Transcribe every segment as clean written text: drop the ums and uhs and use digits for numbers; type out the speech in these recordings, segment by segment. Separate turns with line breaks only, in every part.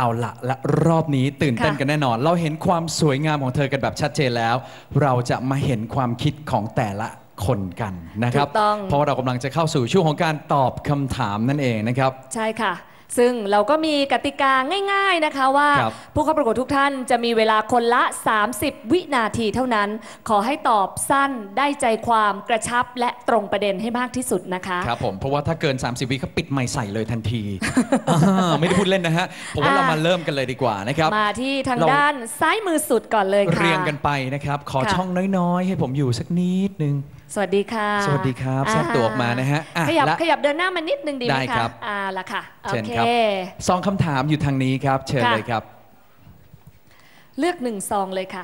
เอาละและรอบนี้ตื่นเต้นกันแน่นอนเราเห็นความสวยงามของเธอกันแบบชัดเจนแล้วเราจะมาเห็นความคิดของแต่ละคนกันนะครับเพราะว่าเรากำลังจะเข้าสู่ช่วงของการตอบคำถามนั่นเองนะครับ
ใช่ค่ะซึ่งเราก็มีกติกาง่ายๆนะคะว่าผู้เข้าประกวดทุกท่านจะมีเวลาคนละ30 วินาทีเท่านั้นขอให้ตอบสั้นได้ใจความกระชับและตรงประเด็นให้มากที่สุดนะคะ
ครับผมเพราะว่าถ้าเกิน30 วิเขาปิดไมค์ใส่เลยทันที ไม่ได้พูดเล่นนะฮะผมว่าเรามาเริ่มกันเลยดีกว่านะครับ
มาที่ทางด้านซ้ายมือสุดก่อนเลยค่ะ
เรียงกันไปนะครับขอช่องน้อยๆให้ผมอยู่สักนิดนึง
สวัสดีค่ะ
สวัสดีครับแทรกตัวออกมานะฮะ
ขยับเดินหน้ามานิดนึงดีไหมคะละค่ะ
เชิญครับซองคำถามอยู่ทางนี้ครับเชิญเลยครับ
เลือก1 ซองเลยค่ะ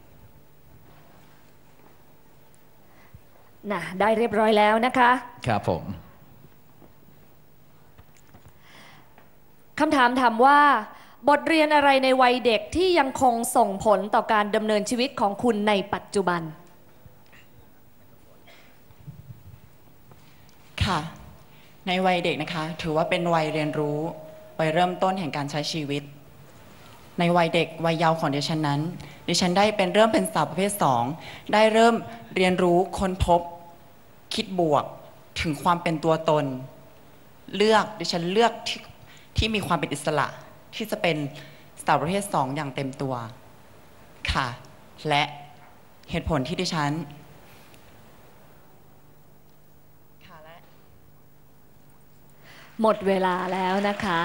น่ะได้เรียบร้อยแล้วนะคะ
ครับผม
คำถามถามว่าบทเรียนอะไรในวัยเด็กที่ยังคงส่งผลต่อการดำเนินชีวิตของคุณในปัจจุบัน
ค่ะในวัยเด็กนะคะถือว่าเป็นวัยเรียนรู้วัยเริ่มต้นแห่งการใช้ชีวิตในวัยเด็กวัยเยาว์ของดิฉันนั้นดิฉันได้เริ่มเป็นสาวประเภท2ได้เริ่มเรียนรู้ค้นพบคิดบวกถึงความเป็นตัวตนดิฉันเลือกที่มีความเป็นอิสระที่จะเป็นสาวประเภท2อย่างเต็มตัวค่ะและเหตุผลที่ดิฉัน
หมดเวลาแล้วนะคะ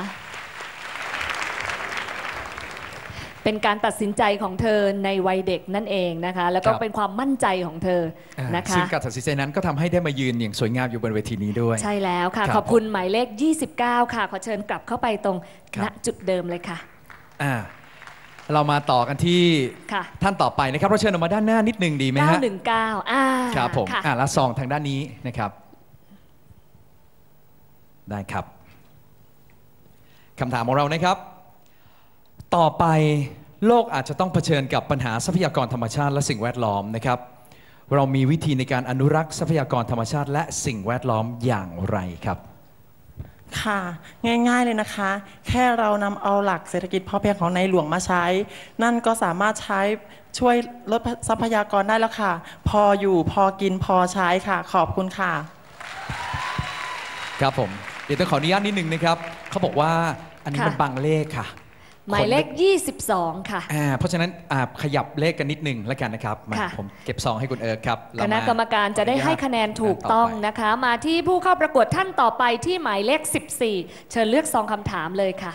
เป็นการตัดสินใจของเธอในวัยเด็กนั่นเองนะคะแล้วก็เป็นความมั่นใจของเธอนะคะ
ซึ่งการตัดสินใจนั้นก็ทำให้ได้มายืนอย่างสวยงามอยู่บนเวทีนี้ด้วย
ใช่แล้วค่ะขอบคุณหมายเลข29ค่ะขอเชิญกลับเข้าไปตรงณจุดเดิมเลยค่ะ
เรามาต่อกันที่ท่านต่อไปนะครับเราเชิญออกมาด้านหน้านิดนึงดีไหมฮะ
919
ครับผมและซองทางด้านนี้นะครับได้ครับคำถามของเรานะครับต่อไปโลกอาจจะต้องเผชิญกับปัญหาทรัพยากรธรรมชาติและสิ่งแวดล้อมนะครับเรามีวิธีในการอนุรักษ์ทรัพยากรธรรมชาติและสิ่งแวดล้อมอย่างไรครับ
ค่ะง่ายๆเลยนะคะแค่เรานำเอาหลักเศรษฐกิจพอเพียงของในหลวงมาใช้นั่นก็สามารถใช้ช่วยลดทรัพยากรได้แล้วค่ะพออยู่พอกินพอใช้ค่ะขอบคุณค่ะ
ครับผมเดี๋ยวต้องขออนุญาตนิดนึงนะครับเขาบอกว่าอันนี้มันบางเลขค่ะ
หมายเลข22ค่ะ
เพราะฉะนั้นขยับเลขกันนิดนึงแล้วกันนะครับผมเก็บซองให้คุณเอิร์กครับ
คณะกรรมการจะได้ให้คะแนนถูกต้องนะคะมาที่ผู้เข้าประกวดท่านต่อไปที่หมายเลข14เชิญเลือกซองคำถามเลยค่ะ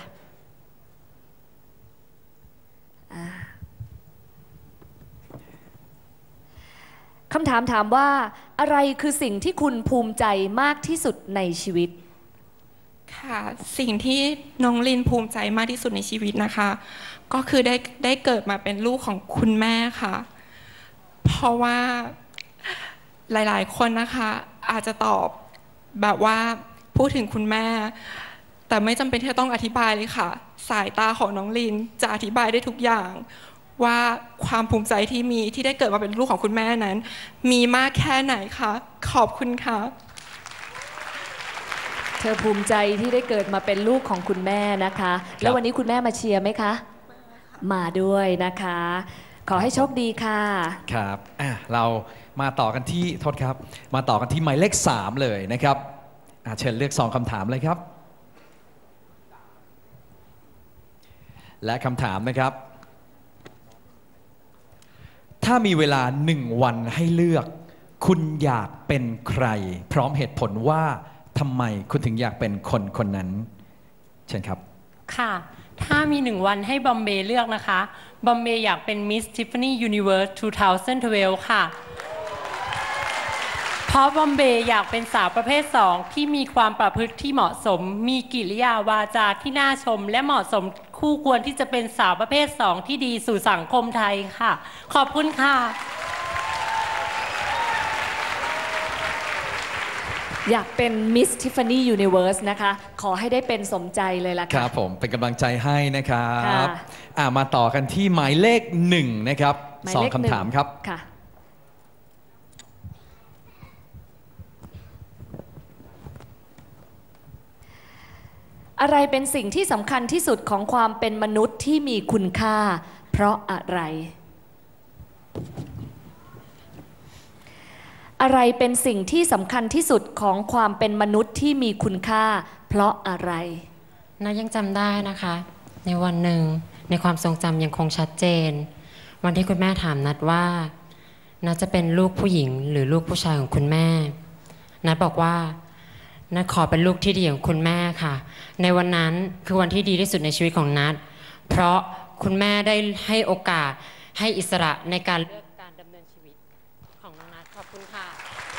คำถามถามว่าอะไรคือสิ่งที่คุณภูมิใจมากที่สุดในชีวิต
ค่ะสิ่งที่น้องลินภูมิใจมากที่สุดในชีวิตนะคะก็คือได้เกิดมาเป็นลูกของคุณแม่ค่ะเพราะว่าหลายๆคนนะคะอาจจะตอบแบบว่าพูดถึงคุณแม่แต่ไม่จำเป็นที่จะต้องอธิบายเลยค่ะสายตาของน้องลินจะอธิบายได้ทุกอย่างว่าความภูมิใจที่มีที่ได้เกิดมาเป็นลูกของคุณแม่นั้นมีมากแค่ไหนคะขอบคุณค่ะ
เธอภูมิใจที่ได้เกิดมาเป็นลูกของคุณแม่นะคะแล้ววันนี้คุณแม่มาเชียร์ไหมคะมาด้วยนะคะขอให้โชคดีค่ะ
ครับเรามาต่อกันที่โทษครับมาต่อกันที่หมายเลข3เลยนะครับเชิญเลือก2คำถามเลยครับและคำถามนะครับถ้ามีเวลา1 วันให้เลือกคุณอยากเป็นใครพร้อมเหตุผลว่าทำไมคุณถึงอยากเป็นคนคนนั้นเชิญครับ
ค่ะถ้ามี1 วันให้บอมเบย์เลือกนะคะบอมเบย์อยากเป็น Miss Tiffany Universe 2012 ค่ะเพราะบอมเบย์อยากเป็นสาวประเภท2ที่มีความประพฤติที่เหมาะสมมีกิริยาวาจาที่น่าชมและเหมาะสมคู่ควรที่จะเป็นสาวประเภท2ที่ดีสู่สังคมไทยค่ะขอบคุณค่ะ
อยากเป็น Miss Tiffany Universe นะคะขอให้ได้เป็นสมใจเลยล่ะค่ะ
ครับผมเป็นกำลังใจให้นะครับมาต่อกันที่หมายเลข1นะครับ2 คำถามครับ
อะไรเป็นสิ่งที่สำคัญที่สุดของความเป็นมนุษย์ที่มีคุณค่า เพราะอะไรอะไรเป็นสิ่งที่สำคัญที่สุดของความเป็นมนุษย์ที่มีคุณค่าเพราะอะไร
นัทยังจำได้นะคะในวันหนึ่งในความทรงจำยังคงชัดเจนวันที่คุณแม่ถามนัทว่านัทจะเป็นลูกผู้หญิงหรือลูกผู้ชายของคุณแม่นัทบอกว่านัทขอเป็นลูกที่ดีของคุณแม่ค่ะในวันนั้นคือวันที่ดีที่สุดในชีวิตของนัทเพราะคุณแม่ได้ให้โอกาสให้อิสระในการเลือกการดำเนินชีวิตของน้องนัทขอบคุณค่ะ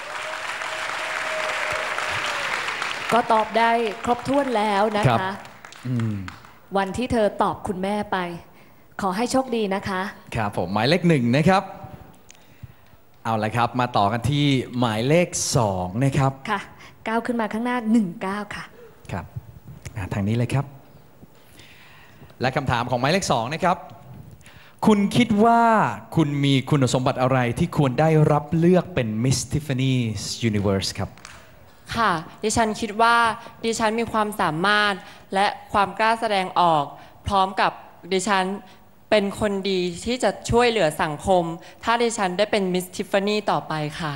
ก็ตอบได้ครบถ้วนแล้วนะคะวันที่เธอตอบคุณแม่ไปขอให้โชคดีนะคะ
ครับผมหมายเลข1นะครับเอาละครับมาต่อกันที่หมายเลข2นะครับ
ค่ะก้าวขึ้นมาข้างหน้า19ค่ะ
ครับทางนี้เลยครับและคำถามของหมายเลข2นะครับคุณคิดว่าคุณมีคุณสมบัติอะไรที่ควรได้รับเลือกเป็น Miss Tiffany's Universe ครับ
ค่ะดิฉันคิดว่าดิฉันมีความสามารถและความกล้าแสดงออกพร้อมกับดิฉันเป็นคนดีที่จะช่วยเหลือสังคมถ้าดิฉันได้เป็น Miss Tiffany ต่อไปค่ะ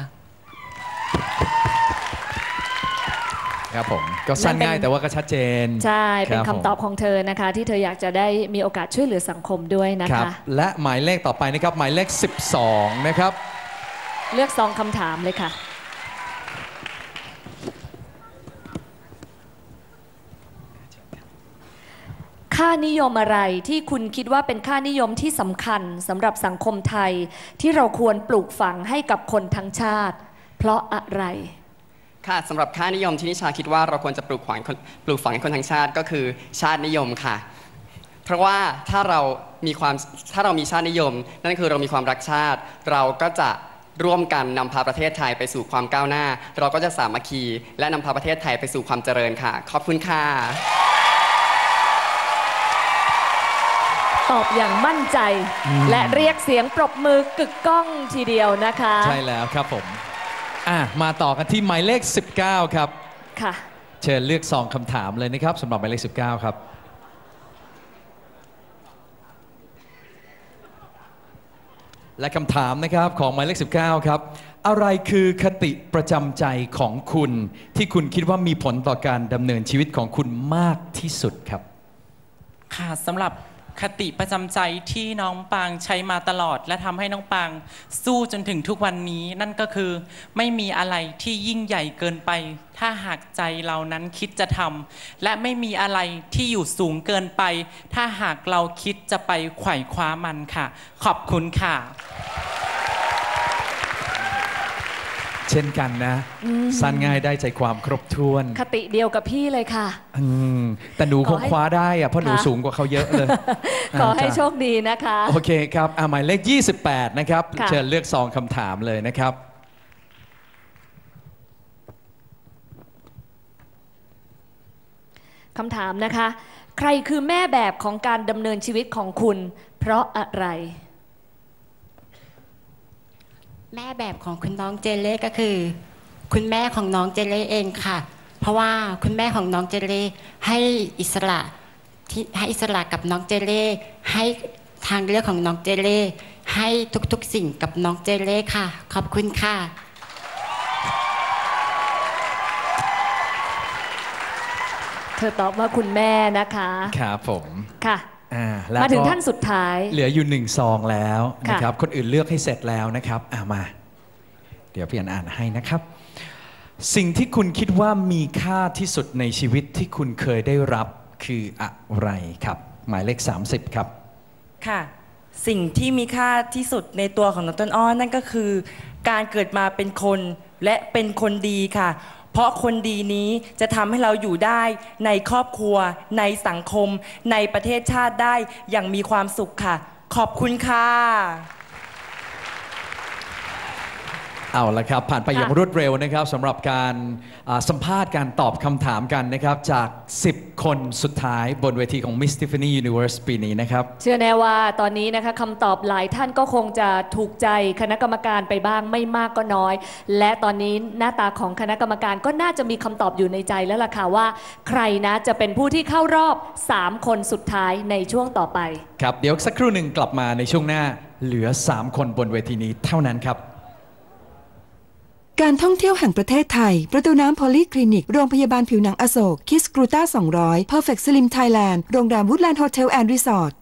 ครับผมก็สั้นง่ายแต่ว่าก็ชัดเจน
ใช่เป็นคำตอบของเธอนะคะที่เธออยากจะได้มีโอกาสช่วยเหลือสังคมด้วยนะคะ
และหมายเลขต่อไปนะครับหมายเลข12นะครับ
เลือก2คำถามเลยค่ะค่านิยมอะไรที่คุณคิดว่าเป็นค่านิยมที่สำคัญสำหรับสังคมไทยที่เราควรปลูกฝังให้กับคนทั้งชาติเพราะอะไร
ค่ะสำหรับค่านิยมที่นิชาคิดว่าเราควรจะปลูกฝังให้คนทั้งชาติก็คือชาตินิยมค่ะเพราะว่าถ้าเรามีชาตินิยมนั่นคือเรามีความรักชาติเราก็จะร่วมกันนำพาประเทศไทยไปสู่ความก้าวหน้าเราก็จะสามัคคีและนำพาประเทศไทยไปสู่ความเจริญค่ะขอบคุณค่ะ
ตอบอย่างมั่นใจและเรียกเสียงปรบมือกึกก้องทีเดียวนะคะ
ใช่แล้วครับผมมาต่อกันที่หมายเลข19ครับ
ค่ะ
เชิญเลือก2คำถามเลยนะครับสำหรับหมายเลข19ครับและคำถามนะครับของหมายเลข19ครับอะไรคือคติประจำใจของคุณที่คุณคิดว่ามีผลต่อการดำเนินชีวิตของคุณมากที่สุดครับ
ค่ะสำหรับคติประจำใจที่น้องปางใช้มาตลอดและทำให้น้องปางสู้จนถึงทุกวันนี้นั่นก็คือไม่มีอะไรที่ยิ่งใหญ่เกินไปถ้าหากใจเรานั้นคิดจะทำและไม่มีอะไรที่อยู่สูงเกินไปถ้าหากเราคิดจะไปไขว่คว้ามันค่ะขอบคุณค่ะ
เช่นกันนะสั้นง่ายได้ใจความครบถ้วน
คติเดียวกับพี่เลยค่ะ
แต่หนูคงคว้าได้อะเพราะหนูสูงกว่าเขาเยอะเลย
ขอให้โชคดีนะคะ
โอเคครับหมายเลข28นะครับเชิญเลือก2คำถามเลยนะครับ
คำถามนะคะใครคือแม่แบบของการดำเนินชีวิตของคุณเพราะอะไร
แม่แบบของคุณน้องเจเล่ก็คือคุณแม่ของน้องเจเล่เองค่ะเพราะว่าคุณแม่ของน้องเจเล่ให้อิสระกับน้องเจเล่ให้ทางเลือกของน้องเจเล่ให้ทุกๆสิ่งกับน้องเจเล่ค่ะขอบคุณค่ะ
เธอตอบว่าคุณแม่นะคะ
ครับผม
ค่ะมาถึงท่านสุดท้าย
เหลืออยู่1ซองแล้วนะครับคนอื่นเลือกให้เสร็จแล้วนะครับมาเดี๋ยวพี่อ่านให้นะครับสิ่งที่คุณคิดว่ามีค่าที่สุดในชีวิตที่คุณเคยได้รับคืออะไรครับหมายเลข30ครับ
ค่ะสิ่งที่มีค่าที่สุดในตัวของน้องต้นอ้อนั่นก็คือการเกิดมาเป็นคนและเป็นคนดีค่ะเพราะคนดีนี้จะทำให้เราอยู่ได้ในครอบครัวในสังคมในประเทศชาติได้อย่างมีความสุขค่ะขอบคุณค่ะ
เอาละครับผ่านไปอย่างรวดเร็วนะครับสำหรับการสัมภาษณ์การตอบคำถามกันนะครับจาก 10 คนสุดท้ายบนเวทีของ Miss Tiffany Universe ปีนี้นะครับ
เชื่อแน่ว่าตอนนี้นะคะคำตอบหลายท่านก็คงจะถูกใจคณะกรรมการไปบ้างไม่มากก็น้อย และตอนนี้หน้าตาของคณะกรรมการก็น่าจะมีคำตอบอยู่ในใจแล้วล่ะค่ะว่าใครนะจะเป็นผู้ที่เข้ารอบ3 คนสุดท้ายในช่วงต่อไป
ครับเดี๋ยวสักครู่หนึ่งกลับมาในช่วงหน้าเหลือ3 คนบนเวทีนี้เท่านั้นครับ
การท่องเที่ยวแห่งประเทศไทยประตูน้ำพอลีคลินิกโรงพยาบาลผิวหนังอโศกคิสกรูต้า200 Perfect Slim Thailand โรงแรมวูดแลนด์โฮเทลแอนด์รีสอร์ท